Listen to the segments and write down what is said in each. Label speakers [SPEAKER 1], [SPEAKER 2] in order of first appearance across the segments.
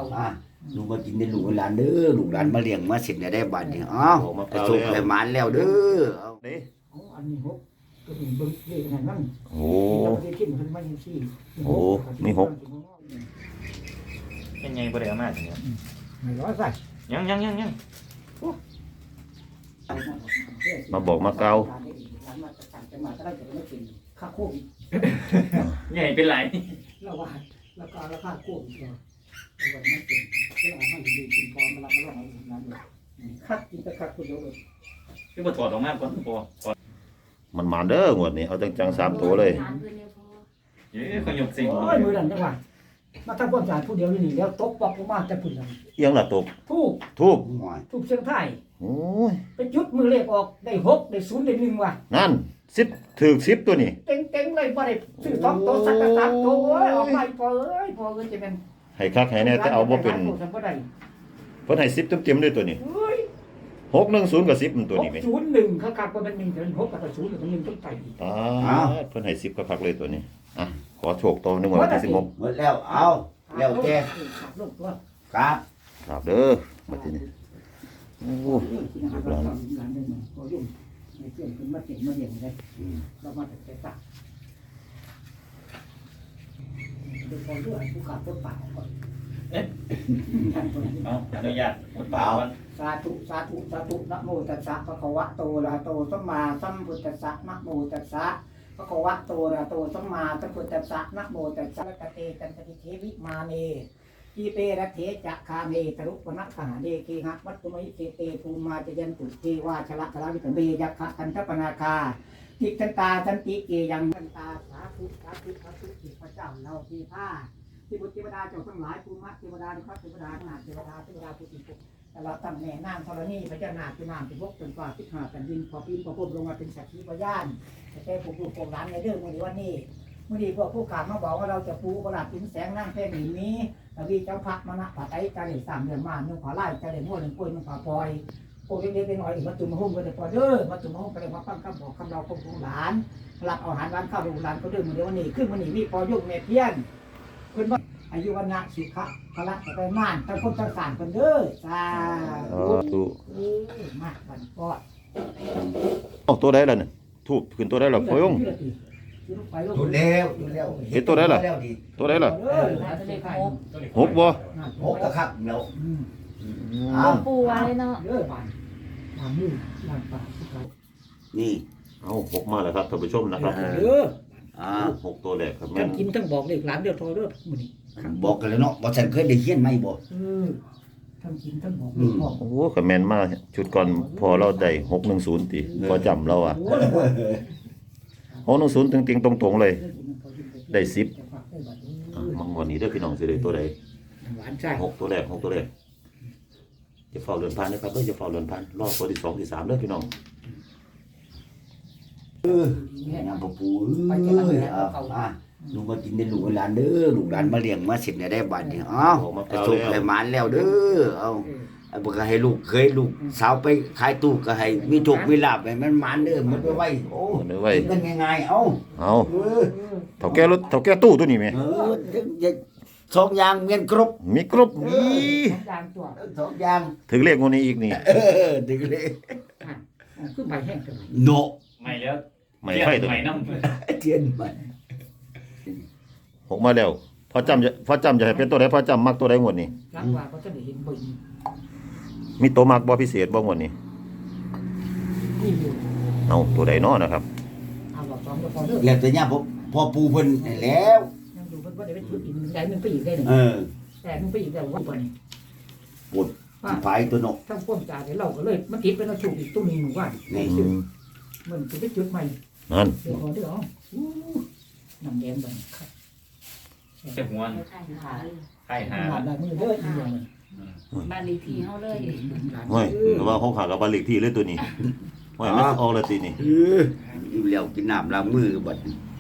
[SPEAKER 1] ลูกมากินได้ลูกหลานเด้อลูกหลานมาเลี้ยงมาสิได้บัดนี้อ้าวไปส่งไปหมานแล้วเด้อ
[SPEAKER 2] เด้
[SPEAKER 3] อันนี้หกตัวนี้เบิ่งเลขนั่น
[SPEAKER 2] โอ้มีหก
[SPEAKER 4] เป็นไงบ่ได้เอามาจังเนี่ย
[SPEAKER 3] ไม่ร้อยใส่
[SPEAKER 4] ยัง
[SPEAKER 2] มาบอกมาเกา
[SPEAKER 3] ค่าโควิด
[SPEAKER 4] ใหญ่เป็นไร
[SPEAKER 3] แล้วว่าราคาโควิดก็วันนั้นเป็นเอามาดูกินพอมาละมาลองเอาน้ำเลยคัดกินแต่คัดคนเดียวเลย
[SPEAKER 4] คือบ่ถอดออกมาก่อนพอ
[SPEAKER 2] มันมาเด้องวดนี้เอาจังๆ3ตัวเลย
[SPEAKER 4] เอ้ยเขายกสิ่ง
[SPEAKER 3] โอ้ยมือนั่นจังหวะมาทำความสะอาดผู้เดียวนี่แล้วตกปอกลงมาจะพุ่นแล้ว
[SPEAKER 2] เอียงละตก
[SPEAKER 3] ทูบเชียงไทย
[SPEAKER 2] โอ้ย
[SPEAKER 3] ไปจุดมือเลขออกได้6ได้0ได้1ว่ะ
[SPEAKER 2] นั่น10ถึก10ตัวนี้
[SPEAKER 3] เต็งเลยบ่ได้ซื้อ2ตัวสัก3ตัวโอ้ยออกมาพอจะเป็น
[SPEAKER 2] ให้คักให้แน่แต่เอาบ่เป็นเพิ่นให้10เต็มๆเลยตัวนี้610กับ10ตัวนี้แม่
[SPEAKER 3] 01เขาคักว่ามัน1ถึง6กับ0กับ1ต้องไปอีก
[SPEAKER 2] เพิ่นให้10คักๆเลยตัวนี้อ่ะขอโชคต่อ1วันที่16
[SPEAKER 1] หมดแล้วเอาแล้วแกครับ
[SPEAKER 2] ครับเด้อบัดนี้โอ้ลูกหลาน
[SPEAKER 3] ไม่เชื่อคุณมาเก่งมาเรียนเลยเรามาแต่แต่ตักเป็นคนเลือกผู้ขาดต้นป่าก่อน
[SPEAKER 4] เอาอนุญาตหมดปากก่อน
[SPEAKER 3] สาธุนะโมตัสสะภะคะวะโตอะระหะโตสัมมาสัมพุทธัสสะนะโมตัสสะภะคะวะโตอะระหะโตสัมมาสัมพุทธัสสะนะโมตัสสะกะเตจันตติเทวิมาเนทีเปรเทจะคาเมตรุปนักขาเดเคหะวัตตุมิเตเตภูมาจยันตุเทวาชละชละวิตเบยักขะกันทปนาคาทิทันตาสันติเกยังทันตาสาธุจิตพระเจ้าเราที่ผ้าที่บุตรเทวดาเจ้าทั้งหลายภูมิเทวดาพระเทวดานาเทวดาผู้ติปุแต่เราตั้งแม่นางธรณีพระเจ้านาที่นามที่พกจนกว่าที่หาแผ่นดินพอพิมพ์พอพุ่มลงมาเป็นสักขีพยานแต่ผมดูผมร้านในเรื่องวันนี้เมื่อดีพวกผู้ข่าวมาบอกว่าเราจะปูประหลาดถึงแสงนั่งแท่งหินนี้แต่วีเจ้าพักมานะผัดไอ้ใจเด็ด3 เดือนมานุ่งขอไล่ใจเด็ดม้วน1 ป่วยมันขอปล่อยโอ้เล็กๆน้อยๆอีกมาตุ่มหุ้มก็จะปล่อยเด้อมาตุ่มหุ้มก็เลยมาปั้งคำบอกคำเราของหลานหลับเอาอาหารร้านข้าวดูหลานก็เดินมาเดี๋ยววันนี้ขึ้นวันนี้มีพอยุ่งเมเพี้ยนเพื่อนว่าอายุวันนะสุขะพละไปม่านทั้งคนทั้งสารคนเด้อสาธุมากบันปอด
[SPEAKER 2] ตัวได้แล้วเนี่ยถูกขึ้นตัวได้แล้วพอยง
[SPEAKER 1] ถูกแล้ว
[SPEAKER 2] เห็นตัวได้ล่ะตัวได้ล่ะ6บ่
[SPEAKER 1] 6ก็ครับแล้ว
[SPEAKER 5] ปูไว้เนาะ
[SPEAKER 1] นี่
[SPEAKER 2] เอา6มาแล้วครับท่านผู้ชมนะครับ6ตัวแรกครับแม่น
[SPEAKER 3] กินทั้งบอกเลขหลานเดียวพอเด้อมื้อนี้
[SPEAKER 1] บอกกันแล้วเนาะบ่ฉันเคยได้เขียนไหมบ่
[SPEAKER 3] ทั้งกินทั้งบอก
[SPEAKER 2] โอ้ก็แม่นมาชุดก่อนพอเราได้610ติพอจำเราอ่ะ610ติงๆตรงๆเลยได้10มังวันนี้เด้อพี่น้องสิได้ตัวใด6ตัวแรก6ตัวแรกจะเฝ้าเรือนพันนะครับเด้อจะเฝ้าเรือนพันรอบตัวที่2ที่3เด้อพี่น้อง
[SPEAKER 1] น้ำปูลูกมากินได้ลูกหลานเด้อลูกหลานมาเลี้ยงมาสิได้บัดนี้อ้าวไปส่งไปหมานแล้วเด้อเอาบ่ก็ให้ลูกเคยลูกสาวไปขายตู้ก็ให้มีโชคมีลาภให้มันหมานเด้อมันไว้โอ้มันง่ายๆเอา
[SPEAKER 2] เฒ่าแก่รถเฒ่าแก่ตู้ตัวนี้แม่
[SPEAKER 1] 2อย่างเมียนครบ
[SPEAKER 2] มีครบนี่
[SPEAKER 1] 2อย่าง
[SPEAKER 2] ถึงเลขงวดนี้อีกนี่
[SPEAKER 1] ถึงเลข
[SPEAKER 3] คือใบแห้ง
[SPEAKER 1] โน
[SPEAKER 4] ไม่แล้ว
[SPEAKER 2] ไม่ไฟตัว
[SPEAKER 4] ไม่น้ำ
[SPEAKER 1] เทียนใหม่
[SPEAKER 2] 6มาแล้วพอจำจะให้เป็นตัวใดพอจำมักตัวใดงวดนี้
[SPEAKER 3] รักว่าก็จะได้เห็นบ่
[SPEAKER 2] มีตัวมักบ่พิเศษบ่งวดนี้เอาตัวใดเนาะนะครับ
[SPEAKER 1] แล้วแต่เนี่ยพอปูเพิ่นแล้ว
[SPEAKER 3] ยังดูเพิ่นบ่ได้ไปจุดอีกได้นึงไปอีกได้นึงแต่นึงไปอีกแล้วว่าบ่นี่
[SPEAKER 1] ปวดไฟตัวเนาะ
[SPEAKER 3] ทั้งความจ่าเดี๋ยวเราก็เลยมันติดเป็นฉุกอีกตัวนึงหมู่บ้านนี่มันจะไปจุดใหม่
[SPEAKER 2] นั่น
[SPEAKER 3] เดี๋ยวเด้อน้ำแดงบัดครับ
[SPEAKER 4] เจ็บหัวไข้หา
[SPEAKER 3] ได้มื้อเด้ออีหยัง
[SPEAKER 5] บ้านเลขที่เฮาเลย
[SPEAKER 2] โอ้ยแต่ว่า6หากับบ้านเลขที่เลยตัวนี้โอ้ยมันออกแล้วตินี่
[SPEAKER 1] อยู่แล้วกินน้ำล้างมือบัด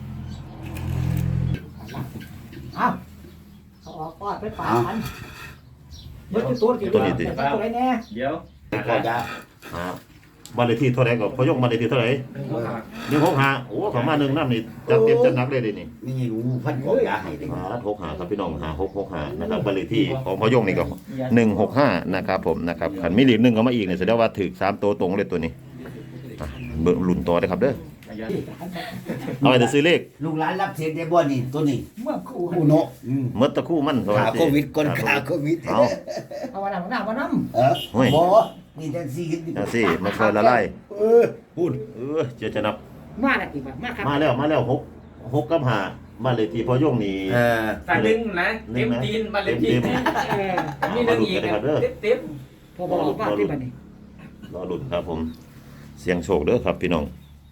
[SPEAKER 3] อ้าวเอาออกปอดไปป่าอันเบิดตัวกี่ตัวไหนแน่
[SPEAKER 4] เดี๋ยว
[SPEAKER 1] ก็จะ
[SPEAKER 2] บ้านเลขที่เท่าไหร่ก็พอยกบ้านเลขที่เท่าไหร่165โอ้เขามา1นำนี่จัดเต็มจัดหนักเลยนี่
[SPEAKER 1] มีหนูพันกองยาให้เลย
[SPEAKER 2] 65ครับพี่น้อง5665นะครับบ้านเลขที่ของพอยงนี่ก็165นะครับผมนะครับคันมีเลข1เข้ามาอีกนี่แสดงว่าถูก3ตัวตรงเลยตัวนี้เบิ่งลุ้นต่อได้ครับเด้อเอาไปซื้อเลข
[SPEAKER 1] ลูกหลานรับเสียได้บ่นี่ตัวนี้
[SPEAKER 3] เมื่อคู่
[SPEAKER 1] ผู้เนาะ
[SPEAKER 2] หมดตะคู่มัน
[SPEAKER 1] ขาโควิดก่อนขาโควิด
[SPEAKER 2] เอา
[SPEAKER 3] เอาวันหน้าวันน้
[SPEAKER 2] เฮ้ย
[SPEAKER 1] บ่มีแต่ซีกัน
[SPEAKER 2] เอาสิมาคอยละลาย
[SPEAKER 1] พูด
[SPEAKER 2] จะนับ
[SPEAKER 3] ำมาแล้วอีกแบบมาครับ
[SPEAKER 2] มาแล้ว6กับ5บ้านเลขที่พอยงนี่
[SPEAKER 4] สายดึงนะเต็มตีนบัลเลตีนมีหนึ่งอีกเต็ม
[SPEAKER 3] พอบอกว่าที่บ้านนี้
[SPEAKER 2] รอลุ้นครับผมเสียงโชคเด้อครับพี่น้อง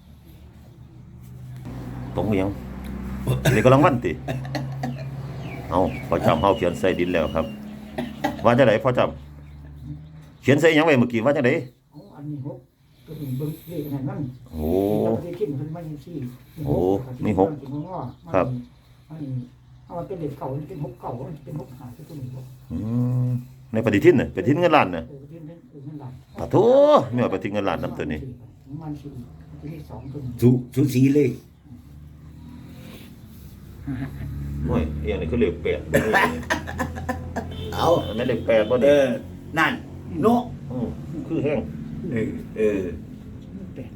[SPEAKER 2] ตรงยังนี่กำลังวันติเอาพอจำเฮาเขียนใส่ดินแล้วครับว่าจังไดพอจำเขียนใส่หยังไว้เมื่อกี้ว่าจังได
[SPEAKER 3] อันนี้หกตัวนี้เบิ้งเลขนั่น
[SPEAKER 2] โอ้
[SPEAKER 3] ที่ขึ้นมันไม่สี่
[SPEAKER 2] ครับ
[SPEAKER 3] อันนี้เอาเป็นเด็กเก่าเป็นหกเก่าเป็นหกหาที่ตัวนี้บอก
[SPEAKER 2] ในปฏิทินน่ะปฏิทินเงินล้านน่ะ
[SPEAKER 3] เป็นเงินหลัก
[SPEAKER 2] ปะโถมีว่าปฏิทินเงินล้านนำตัวนี้
[SPEAKER 3] มันสี่ที่สองตัวนี้
[SPEAKER 1] สูสีเลย
[SPEAKER 2] โอ้ยเอียงนี่คือเลข8
[SPEAKER 1] เอา
[SPEAKER 2] อันนั้นเลข8บ่
[SPEAKER 1] เอ
[SPEAKER 2] เด้
[SPEAKER 1] อนั่นเนาะ
[SPEAKER 2] คือแห้ง
[SPEAKER 1] เออ
[SPEAKER 3] แปด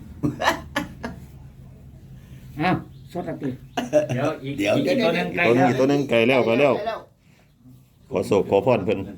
[SPEAKER 3] อ้าวสดติ
[SPEAKER 4] เดี๋ยวอีกตัวนึงใกล้
[SPEAKER 2] ตัวนึงไกลแล้วขอโศกขอพรเพิ่น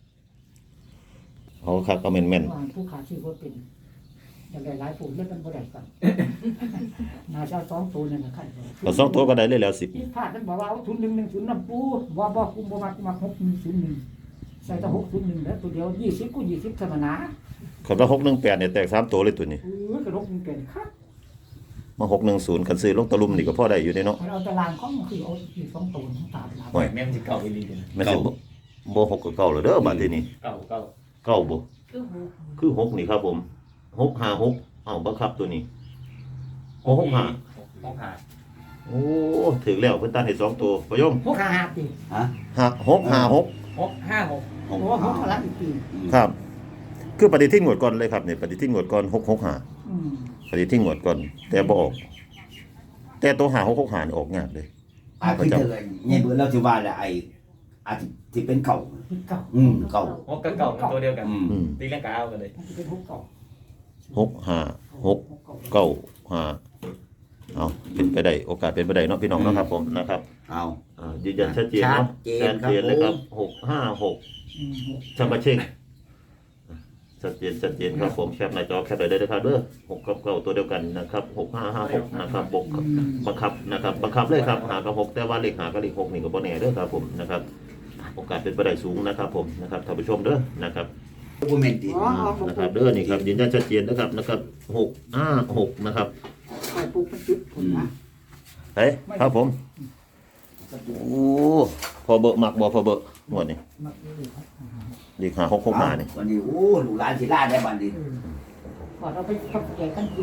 [SPEAKER 2] เอาคักเอาแม่น
[SPEAKER 3] ผู้ขาชื่อว่าเป็นอย่างไรหลายผู้เล่นมันบ่ได้กันนาชาสองตัวนั่นนะคัน
[SPEAKER 2] ๆเอา2ตัวก็ได้เลยแล้ว10
[SPEAKER 3] ที่พลาดมันบอกว่าเอาทุน110น้ำปูบ่คุมบ่มา601ใส่แต่601แล้วตัวเดียว20กู20ธรรมดา
[SPEAKER 2] คันว่า618เนี่ยแตก3ตัวเลยตัวนี้
[SPEAKER 3] กระดกมันเป็นครับ
[SPEAKER 2] มา610คันซื้อลงตะลุมนี่ก็พอได้อยู่เด้เนาะ
[SPEAKER 3] เราตารางของคือเอาอีก2ตัวทั้งตามหลัง
[SPEAKER 2] โอ้ย
[SPEAKER 4] แม่มันจะเก่าอีลีเลย
[SPEAKER 2] แม่นสิบ่6ก็เก่าแล้วเด้อบัดนี้
[SPEAKER 4] เก่า
[SPEAKER 2] เก่าบ่
[SPEAKER 5] คือหู
[SPEAKER 2] คือ6นี่ครับผม656เอ้าบังคับตัวนี้665
[SPEAKER 4] 6
[SPEAKER 2] โอ้ถึงแล้วเพิ่นตัดให้2ตัวพยม
[SPEAKER 3] 655ปี
[SPEAKER 1] ฮะ
[SPEAKER 2] 656
[SPEAKER 4] 6
[SPEAKER 3] โอ้โหเขาละอีกปี
[SPEAKER 2] ครับ คือปฏิทินงวดก่อนเลยครับนี่ปฏิทินงวดก่อน665ปฏิทินงวดก่อนแต่บ่ออก แต่ตัว5665นี่ออกยากเลย
[SPEAKER 1] ที่เธอเนี่ยเบื่อเราสิว่าแหละไอ้อาจสิเป็นเก่า
[SPEAKER 3] เก่า
[SPEAKER 1] เก่า
[SPEAKER 4] 6กับเก่ามันตัวเดียวกัน
[SPEAKER 2] อืม
[SPEAKER 4] ตีเล่นกาวกันเลย
[SPEAKER 3] มันจะเป็น6เก่า
[SPEAKER 2] 656 95เอาเป็นไปได้โอกาสเป็นไปได้เนาะพี่น้องเนาะครับผมนะครับ
[SPEAKER 1] เอา
[SPEAKER 2] ยืนยันชัดเจนเนาะ
[SPEAKER 1] ชัดเจนครับ
[SPEAKER 2] เลยครับ656ชัมบะเชงชัดเจนครับผมแคปหน้าจอแคปได้เลยครับเด้อ6กับ9ตัวเดียวกันนะครับ6556นะครับบวกบังคับนะครับบังคับเลยครับหากับ6แต่ว่าเลขหากับเลข6นี่ก็บ่แน่เด้อครับผมนะครับโอกาสเป็นไปได้สูงนะครับผมนะครับท่านผู้ชมเด้อนะครับ
[SPEAKER 1] บ่แม่นติ
[SPEAKER 2] นะครับเด้อนี่ครับยืนยันชัดเจนนะครับ656นะครับ
[SPEAKER 3] ไปปลูกเป็นจุดผมนะ
[SPEAKER 2] เฮ้ยครับผมโอ้พอเบอะหมักบ่พอเบอะหมดนี่เลข5665นี่
[SPEAKER 1] วันนี้โอ้ลูกหลานสิลาได้บัดนี้
[SPEAKER 3] ก่อนเราไปทำแกกันกิน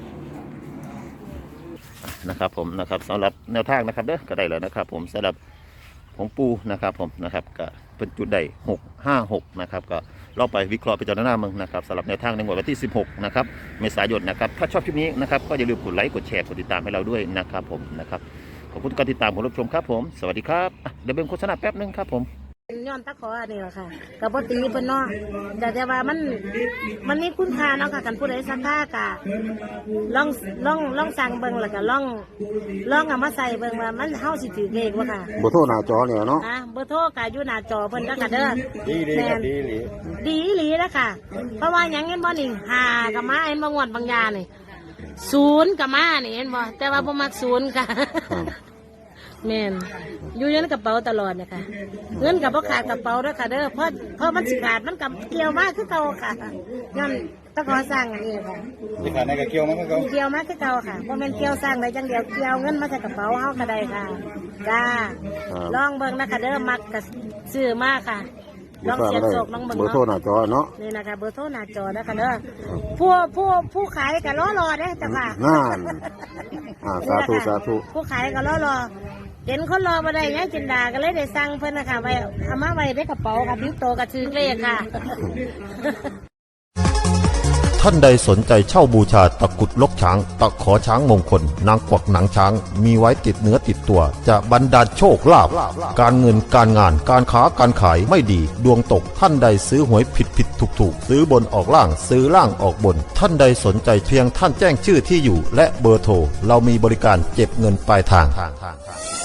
[SPEAKER 2] นะครับผมนะครับสำหรับแนวทางนะครับเด้อก็ได้แล้วนะครับผมสำหรับของปูนะครับผมนะครับก็เป็นจุดใด656นะครับก็เราไปวิเคราะห์ไปจารณาเมืองนะครับสำหรับแนวทางในวันที่16นะครับเมษายนนะครับถ้าชอบคลิปนี้นะครับก็อย่าลืมกดไลค์กดแชร์กดติดตามให้เราด้วยนะครับผมนะครับขอบคุณทุกการติดตามของรับชมครับผมสวัสดีครับเดี๋ยวเบิ่งโฆษณาแป๊บนึงครับผม
[SPEAKER 6] ย้อนตะขออันนี้แหละค่ะกับปตีเพิ่นเนาะแต่ว่ามันมีคุณค่าเนาะค่ะกันผู้ใดสักค่ากะลองสั่งเบิ่งแล้วก็ลองเอามาใส่เบิ่งว่ามันเฮาสิถือเลขบ่ค่ะ
[SPEAKER 7] บ่โทรหน้าจอเนี่ยเนาะ
[SPEAKER 6] เบอร์โทรก็อยู่หน้าจอเพิ่นแล้วก็เด้อดีครับดีอีหลีแล้วค่ะ เพราะว่าหยังเห็นบ่นี่5ก็มาเห็นบ่งวดบางยานี่0ก็มานี่เห็นบ่แต่ว่าบ่มัก0ค่ะแม่นอยู่ในกระเป๋าตลอดนะคะเงินกับพ่ขาดกระเป๋าด้วยค่ะเด้อเพราะมันสิขาดมันกับเกี่ยวมากคือเก่าค่ะย้อนตะขอสร้างอันนี้ค่ะ
[SPEAKER 7] สิขาดในกระเกี่ยวมันก็เก่า
[SPEAKER 6] เกี่ยวมากคือเก่าค่ะเพราะมันเกี่ยวสร้างได้จังเดียวเกี่ยวเงินมาใส่กระเป๋าเฮาก็ได้ค่ะจ้าลองเบิ่งนะคะเด้อมักกับซื้อมากค่ะลองเสียบโศกลองเบิ่ง
[SPEAKER 7] เบอร์โทร
[SPEAKER 6] เนาะ
[SPEAKER 7] หน้าจอเนาะ
[SPEAKER 6] นี่นะคะเบอร์โทรหน้าจอนะคะเด้อผู้ขายก็รอเด้อจ้ะค่ะ
[SPEAKER 7] นั่นสาธุสาธุ
[SPEAKER 6] ผู้ขายก็รอเห็นคนรอมาได้ยังจินดาก็เลยได้สั่งเพิ่นนะคะไว้เอามาไว้ในกระเป๋าค่ะทิ้งโตกับชื่อเลขค่ะ
[SPEAKER 8] ท่านใดสนใจเช่าบูชาตะกรุดลกช้างตะขอช้างมงคลนางกวักหนังช้างมีไว้ติดเนื้อติดตัวจะบรรดาลโชคลาภการเงินการงานการค้าการขายไม่ดีดวงตกท่านใดซื้อหวยผิดถูกซื้อบนออกล่างซื้อล่างออกบนท่านใดสนใจเพียงท่านแจ้งชื่อที่อยู่และเบอร์โทรเรามีบริการเก็บเงินปลายทาง